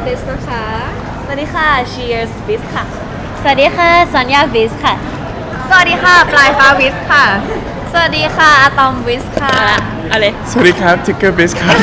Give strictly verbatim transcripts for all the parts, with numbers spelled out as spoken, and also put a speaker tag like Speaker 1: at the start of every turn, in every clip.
Speaker 1: บิสนะคะ
Speaker 2: สวัสดีค่ะ Cheers Biz ค่ะสวัสดีค่ะสัญญา Biz ค่ะสวัสดีค่ะปลายฟ้า Biz ค่ะสวัสดีค่ะอะตอม Biz ค่ะอะไร
Speaker 3: สวัสดีครับทิกเกอร์บิสครับ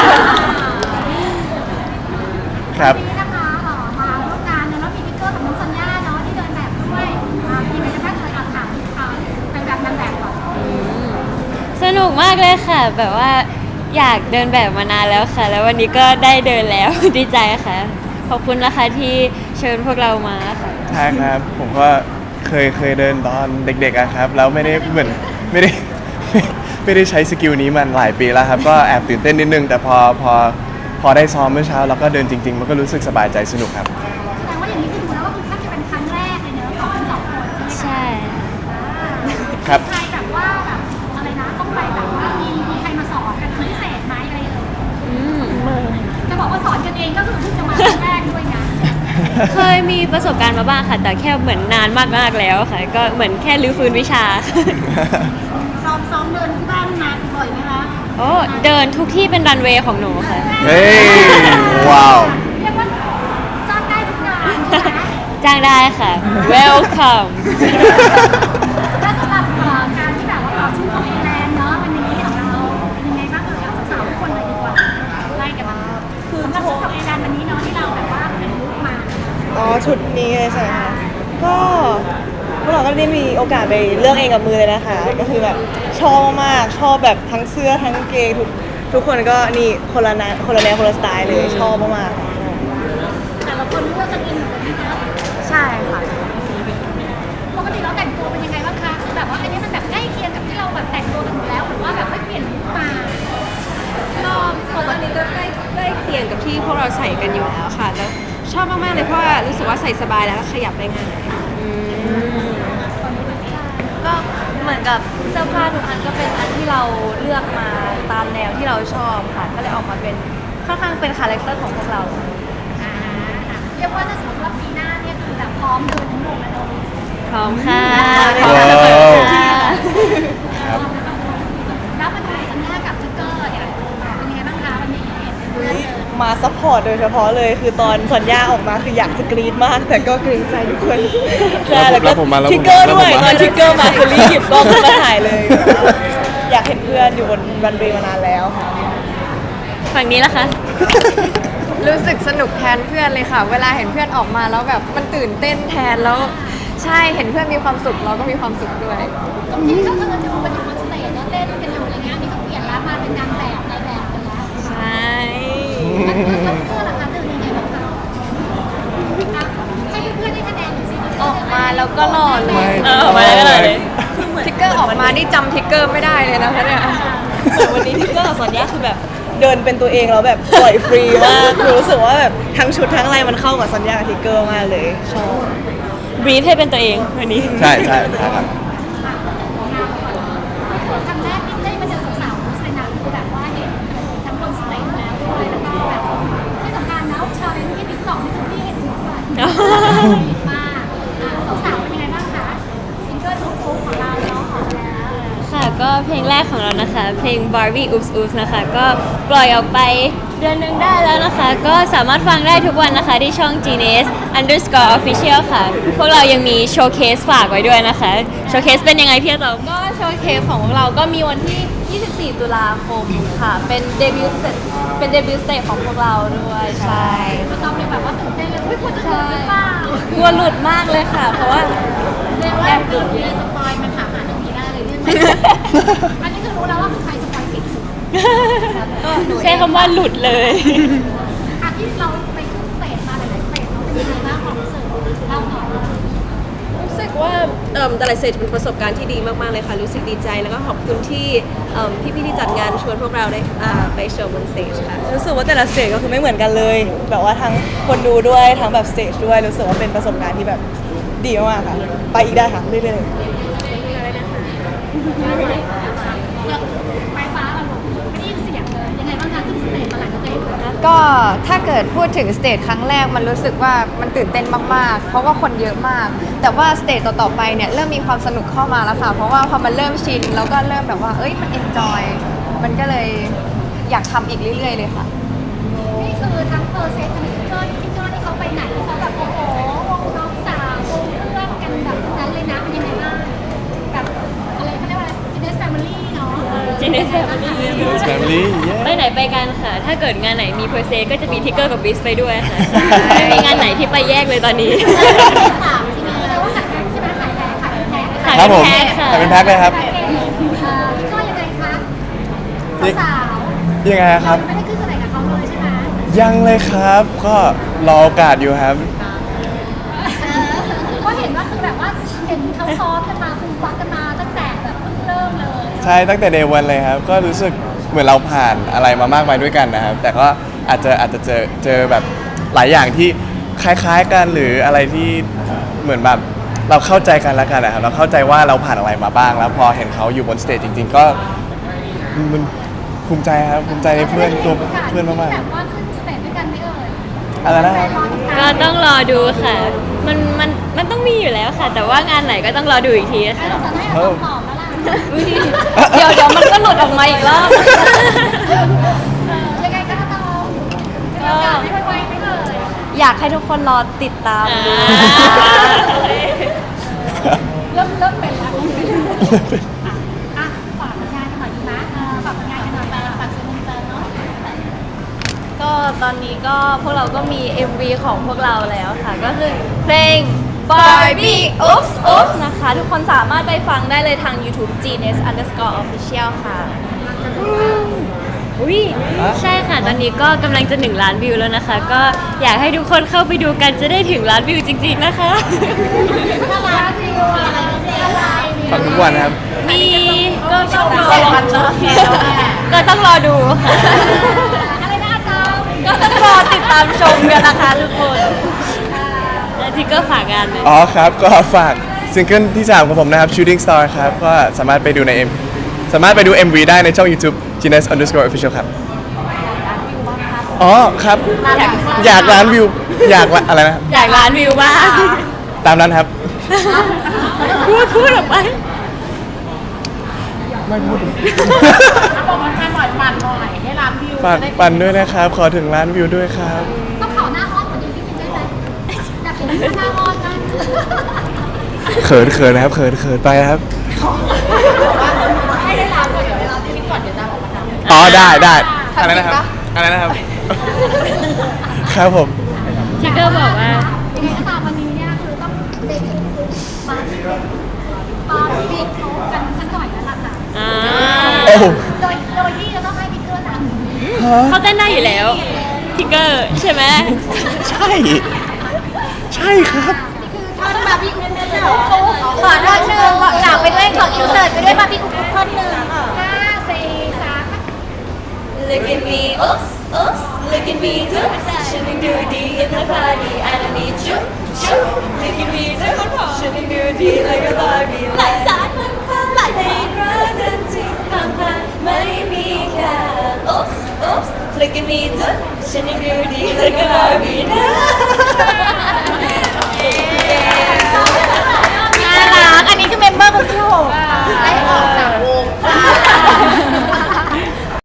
Speaker 3: ครับ
Speaker 4: วันนี้นะคะเอ่อมาร่วมงานเนอะแล้วมีทิกเกอร์กับน้องสัญญาเนาะที่เดินแบบด้วยอ่ามีอะไรกันบ้างเอ่ยเอาถามอ่าเป็นแบบนางแบบก่อน
Speaker 2: สนุกมากเลยค่ะ แบบว่าอยากเดินแบบมานานแล้วค่ะ แล้ววันนี้ก็ได้เดินแล้ว ดีใจค่ะ ขอบคุณนะคะที่เชิญพวกเรามาค่ะ
Speaker 3: ใช่ครับ ผมก็เคยเคยเดินตอนเด็กๆอะครับ แล้วไม่ได้เหมือนไม่ได้ ไม่ได้ใช้สกิลนี้มันหลายปีแล้วครับ ก็แอบตื่นเต้นนิดนึง แต่พอพอพอได้ซ้อมเมื่อเช้าแล้วก็เดินจริงๆ มันก็รู้สึกสบายใจสนุกครับ
Speaker 4: แสดงว่าอย่างนี้คือดูแล้วก็คือแทบจะเป็นครั้งแรกเลยเนอะของทั้งสองคนใช่ไหม
Speaker 2: ใช่
Speaker 3: ครับ
Speaker 4: ใครแบบว่าแบบอะไรนะต้องไปแบบว่ามีมีใครมาสอนกันพิเศษไหมอะไรเอ่ย
Speaker 2: อืม
Speaker 4: จะบอกว่าสอนกันเองก็คือเพิ่งจะมาครั้งแรกด้วยนะ
Speaker 2: เคยมีประสบการณ์มาบ้างค่ะ แต่แค่เหมือนนานมากๆแล้วค่ะ ก็เหมือนแค่รื้อฟื้นวิชา
Speaker 4: ซ้อมซ้อมเดินที่บ้านนานบ่อยไหมคะ
Speaker 2: โอ้เดินทุกที่เป็นรันเวย์ของหนูค่ะ
Speaker 3: เฮ้ย ว้าว
Speaker 4: เรียกว่าจ้างได้ทุกงานใช่ไหม
Speaker 2: จ้างได้ค่ะ welcome
Speaker 4: ถ้าสำหรับเอ่อการที่แบบว่าเราชุ่มของเอแลนด์เนาะวันนี้ของเราเป็นยังไงบ้างเอ่ยเอาสาวๆทุกคนเลยดีกว่าไล่กันมาคือสำหรับชุดของเอแลนด์วันนี้เนาะที่เราแบบว่าเป็นลุคมา
Speaker 1: อ๋อชุดนี้เลยใช่ไหมคะก็พวกเราก็ได้มีโอกาสไปเลือกเองกับมือเลยนะคะ ก็คือแบบชอบมากๆชอบแบบทั้งเสื้อทั้งกางเกงทุกทุกคนก็นี่คนละแนวคนละแนวคนละสไตล์เลยชอบมากๆ
Speaker 4: แต่ละคนเลือกกันเองหมดเลยนะคะ
Speaker 2: ใช่ค่ะ
Speaker 4: ปกติเราแต่งตัวเป็นยังไงบ้างคะคือแบบว่าอันนี้มันแบบใกล้เคียงกับที่เราแบบแต่งตัวกันอยู่แล้วหรือว่าแบบไม่เปลี่ยนลุคมา
Speaker 5: ก็ปกติก็ใกล้ใกล้เคียงกับที่พวกเราใส่กันอยู่แล้วค่ะแล้วชอบมากๆเลยเพราะว่ารู้สึกว่าใส่สบายแล้วก็ขยับได้ง่าย
Speaker 2: ก็เหมือนกับเสื้อผ้าทุกอันก็เป็นอันที่เราเลือกมาตามแนวที่เราชอบค่ะ ก็เลยออกมาเป็นค่อนข้างเป็นคาแรคเตอร์ของพวกเรา
Speaker 4: อ่าเรียกว่าถ้าสมมติว่าปีหน้าเนี่ยคือแบบพร้อมเดินทั้งหมดแล้วเนอะ
Speaker 2: พร้อมค่ะพ
Speaker 3: ว้
Speaker 2: ร้อม
Speaker 3: าว
Speaker 2: เสมอค่ะ
Speaker 3: ครับ
Speaker 4: แล้วมาดูสัญญากับทิกเกอร์เนี่ยเป็นยังไงบ้างคะวันนี้เพื่อนเลย
Speaker 1: มาซัพพอร์ตโดยเฉพาะเลยคือตอนสัญญาออกมาคืออยากจะกรี๊ดมาก แต่ก็เกรงใจทุกคนใช่
Speaker 3: แล้
Speaker 1: แล้ว ว
Speaker 3: ผม
Speaker 1: ก็
Speaker 3: มาแล้วผมมา
Speaker 1: ทิกเกอร์ด้วย
Speaker 3: แล้วผมมา
Speaker 1: ตอนทิกเกอร์มาคือรีบหยิบกล้องขึ้นมาถ่ายเลยอยากเห็นเพื่อนอยู่บนรันเวย์มานานแล้วค่ะ
Speaker 2: ฝั่งนี้ละคะ
Speaker 6: รู้สึกสนุกแทนเพื่อนเลยค่ะ เวลาเห็นเพื่อนออกมาแล้วแบบมันตื่นเต้นแทนแล้ว ใช่เห็นเพื่อนมีความสุขเราก็มีความสุขด้วย
Speaker 4: ตรงนี้ก็คือดูกันอยู่บนสเตจแล้วเต้นกันอยู่อะไรเงี้ยนี่ก็เปลี่ยนแล้วมาเป็นนางแบบในแบบกันแล้ว
Speaker 2: ใช่
Speaker 4: แล้วเพื่อนล่ะคะตื่นยังไงบ้างคะอ่ะให้เพื่อนๆได้คะแนนหน่อยสิ
Speaker 2: ออกมาแล้วก็หล่อเลย
Speaker 3: ไม่
Speaker 2: เออออกมาแล้วก็หล่อเลย
Speaker 6: ทิกเกอร์ออกมานี่จำทิกเกอร์ไม่ได้เลยนะคะเนี่ย
Speaker 1: เหมือนวันนี้ทิกเกอร์กับสัญญาคือแบบเดินเป็นตัวเองแล้วแบบปล่อยฟรีมากคือรู้สึกว่าแบบทั้งชุดทั้งอะไรมันเข้ากับสัญญากับทิกเกอร์มากเลยชอบ
Speaker 2: บรีฟให้เป็นตัวเองวันนี้
Speaker 3: ใช่ใช่ใช่ครับ
Speaker 4: ครั้งแรกที่ได้มาเจอสาวๆในนั้นคือแบบว่าเห็นทั้งบนสเตจแล้วด้วยแล้วก็แบบที่สำคัญนะชาเลนจ์ที่ติ๊กต็อกนี่คือพี่เห็นหมดเลยมากอ่ะสาวๆเป็นยังไงบ้างคะซิงเกิลทุกๆของเราเนาะออกมาแล้ว
Speaker 2: ค่ะก็เพลงแรกของเรานะคะ เพลง Barbie Oops Oops นะคะ ก็ปล่อยออกไปเดือนหนึงได้แล้วนะคะ ก็สามารถฟังได้ทุกวันนะคะที่ช่อง จี เอ็น เอส underscore official ค่ะ พวกเรายังมีโชว์เคสฝากไว้ด้วยนะคะ โชว์เคสเป็นยังไงพี่ต๋อม
Speaker 5: ก็โชว์เคสของพวกเราก็มีวันที่ ยี่สิบสี่ ตุลาคมค่ะ เป็นเดบิวต์เป็นเดบิวต์สเตจของพวกเราด้วยใช่
Speaker 4: ก็ต้องเป็นแบบว่าตื่นเต้นเลยอุ้ยควรจะเจอหรือเปล่าก
Speaker 2: ลัวหลุดมากเลยค่ะ เพราะว่า
Speaker 4: เรียกว่าเกิดมีสปอยมาถามหาตรงนี้ได้เลยเนี่ยอันนี้คือรู้แล้วว่าคือใครสปอยเก่งสุด
Speaker 2: ใช้คำว่าหลุดเลย
Speaker 4: อ่ะที่เราไปขึ้นสเตจมาหลายๆสเตจเราเป็นยังไงบ้างความรู้สึกเล่าหน่อย
Speaker 5: รู้สึกว่าเอ่มแต่ละสเตจเป็นประสบการณ์ที่ดีมากๆเลยค่ะ รู้สึกดีใจแล้วก็ขอบคุณที่เอิ่มพี่ๆที่จัดงานชวนพวกเราได้อ่าไปโชว์บนสเตจค่ะ
Speaker 1: รู้สึกว่าแต่ละสเตจก็คือไม่เหมือนกันเลย แบบว่าทั้งคนดูด้วยทั้งแบบสเตจด้วยรู้สึกว่าเป็นประสบการณ์ที่แบบดีมากๆค่ะ ไปอีกได้ค่ะเรื่อยๆ
Speaker 4: ไฟฟ้าเราไม่ได้ยินเสียงเลยยังไงบ้างคะขึ้นสเตจมาหลายสเตจแล้ว
Speaker 6: ก็ถ้าเกิดพูดถึงสเตจครั้งแรกมันรู้สึกว่ามันตื่นเต้นมากๆ เพราะว่าคนเยอะมาก แต่ว่าสเตจต่อๆไปเนี่ยเริ่มมีความสนุกเข้ามาแล้วค่ะ เพราะว่าพอมันเริ่มชินแล้วก็เริ่มแบบว่าเอ้ยมันเอนจอยมันก็เลยอยากทำอีกเรื่อยๆเลยค่ะ
Speaker 4: นี่คือทั้งเพอร์เซนต์ทั้งทิกเกอร์ทิกเกอร์ที่เขาไปไหนเขาแบบโอ้โหวงน้องสาววงเพื่อนกันแบบนั้นเลยนะเป็นยังไงบ้างแบบอะไรเขาเรียกว่าอะไรจีเนสแฟมิลี่เนาะ
Speaker 2: Genius Family
Speaker 3: Family
Speaker 2: ไปไหนไปกันค่ะ ถ้าเกิดงานไหนมีเพอร์เซก็จะมีทิกเกอร์กับบิสไปด้วยค่ะไม่มีงานไหนที่ไปแยกเลยตอนนี้
Speaker 4: สามทีนี้เลยว่าขายแพ็คใช่ไหมขายแพ็คขายแพ็ค
Speaker 2: ขาย
Speaker 3: ครับ
Speaker 2: เป็
Speaker 3: ผ
Speaker 2: น
Speaker 3: ม
Speaker 2: แพ็คค่ะ
Speaker 3: ขายเป็นแพ็คเลยครับ
Speaker 4: เอ่อพี่ก้อยยังไงคะสาว
Speaker 3: ยังไง
Speaker 4: ๆ
Speaker 3: ครับ
Speaker 4: ไม่ได้ขึ้นแสดงกับเขาเลยใช่ไหม
Speaker 3: ยังเลยครับ ก็รอโอกาสอยู่ครับ
Speaker 4: ก็เห็นว่าคือแบบว่าเห็นเขาซ้อมกันมาฟูมฟักกันมาตั้งแต่แบบเพิ่งเริ่มเลย
Speaker 3: ใช่ตั้งแต่เดวันเลยครับ ก็รู้สึกเหมือนเราผ่านอะไรมามากมายด้วยกันนะครับ แต่ก็อาจจะอาจจะเจอเจอแบบหลายอย่างที่คล้ายๆกันหรืออะไรที่เหมือนแบบเราเข้าใจกันแล้วกันนะครับเราเข้าใจว่าเราผ่านอะไรมาบ้าง แล้วพอเห็นเขาอยู่บนสเตจจริง ๆ ก็มันภูมิใจครับภูมิใจในเพื่อนตัวเพื่อนมาก
Speaker 4: แบบว่าขึ้นสเตจด้วยกันไม่เอ่ย
Speaker 3: ๆอะไรนะครับ
Speaker 2: ก็ต้องรอดูค่ะ มันมันมันต้องมีอยู่แล้วค่ะ แต่ว่างานไหนก็ต้องรอดูอีกที
Speaker 4: ให้
Speaker 2: ค่ะ
Speaker 4: เราจะให้เอาคำตอบแล้วล่ะ
Speaker 6: เดี๋ยวเดี๋ยวมันก็หลุดออกมาอีกรอบ
Speaker 4: เออยังไงก็ต้องจะมีโอกาสได้ไวๆไหมเอ่ย
Speaker 6: อยากให้ทุกคนรอติดตามดู
Speaker 2: อ่า
Speaker 4: เริ่มเริ่มเป็นแล้วอ่ะฝากผลงานกันหน่อยดีไหมเออฝากผลงานกันหน่อยฝากซื้อมินเตอร์เนาะ
Speaker 6: ก็ตอนนี้ก็พวกเราก็มี เอ็ม วี ของพวกเราแล้วค่ะ ก็คือเพลง Barbie Oops Oops นะคะ ทุกคนสามารถไปฟังได้เลยทาง YouTube Genius underscore official ค่ะ
Speaker 2: อุ้ยใช่ค่ะ ตอนนี้ก็กำลังจะหนึ่งล้านวิวแล้วนะคะ ก็อยากให้ทุกคนเข้าไปดูกันจะได้ถึงล้านวิวจริงๆนะคะ
Speaker 4: อะไรวิวอะไรอะไร
Speaker 3: ฟังทุกวันนะครับ
Speaker 2: มีก็ต้องรอก็ต้องรอดูค่ะ
Speaker 4: อะไรนะอาจารย์
Speaker 6: ก็ต้องรอติดตามชมกันนะคะทุกคน
Speaker 2: แล้วทิกเกอร์ฝากงานเลย
Speaker 3: อ๋อครับ ก็ฝากซิงเกิลที่สามของผมนะครับ Shooting Star ครับ ก็สามารถไปดูใน M สามารถไปดู เอ็ม วี ได้ในช่อง YouTube Genius underscore official ครับ อ๋อครับ อยากล้านวิว อยากละอะไรนะ
Speaker 2: อยากล้านวิวบ้าง
Speaker 3: ตามนั้นครับ
Speaker 2: พูดพูดออกไป
Speaker 3: ไม่พูด
Speaker 4: บอกมันหน่อยปั่นหน่อยให้ร้านวิว
Speaker 3: ฝากปั่นด้วยนะครับ ขอถึงล้านวิวด้วยครับ
Speaker 4: ต้องขอหน้าห้องกว่านี้พี่มินได้ไหมอยากเห็นหน้าห้องนะ
Speaker 3: เขินเขินนะครับเขินเขินไปนะครับ
Speaker 4: ให้ได้ร้านก่อนเดี๋ยวเวลาที่คิดก่อนเดี๋ยวจะออกมาทำ
Speaker 3: อ๋อได้ได้อะไรนะครับอะไรนะครับ ครับผม
Speaker 2: ทิกเกอร์บอกว่า
Speaker 4: ยังไงก็ตามวันนี้เนี่ยคือต้องเด็กมาปาบิ๊กโชว์กันสักหน่อยแล้วล่ะค่ะ
Speaker 2: อ่า
Speaker 3: โอ้โห
Speaker 4: โดยโดยที่จะต้องให้บิ๊กเกอร์นำ
Speaker 2: เขาเต้นได้อยู่แล้วทิกเกอร์ใช่ไหม
Speaker 3: ใช่ ใช่ครับ
Speaker 4: นี่คือท่อนบาร์บี้คุกใช่เหรอขอท่อนหนึ่งอยากไปด้วยขออินเสิร์ตไปด้วยบาร์บี้คุกท่อนหนึ่งห้าสี่สาม
Speaker 2: Look at me oops oops Look at me too Shining beauty in the party I don't need you Look at me too Shining beauty like a Barbie หลายสารพันพันหลายเพลงรักกันจริงผ่านผ่านไม่มีแค่ oops oops Look at me too Shining beauty like a Barbie นะ
Speaker 6: น่ารัก อันนี้คือเมมเบอร์คนที่หก
Speaker 4: ได้ออกจาก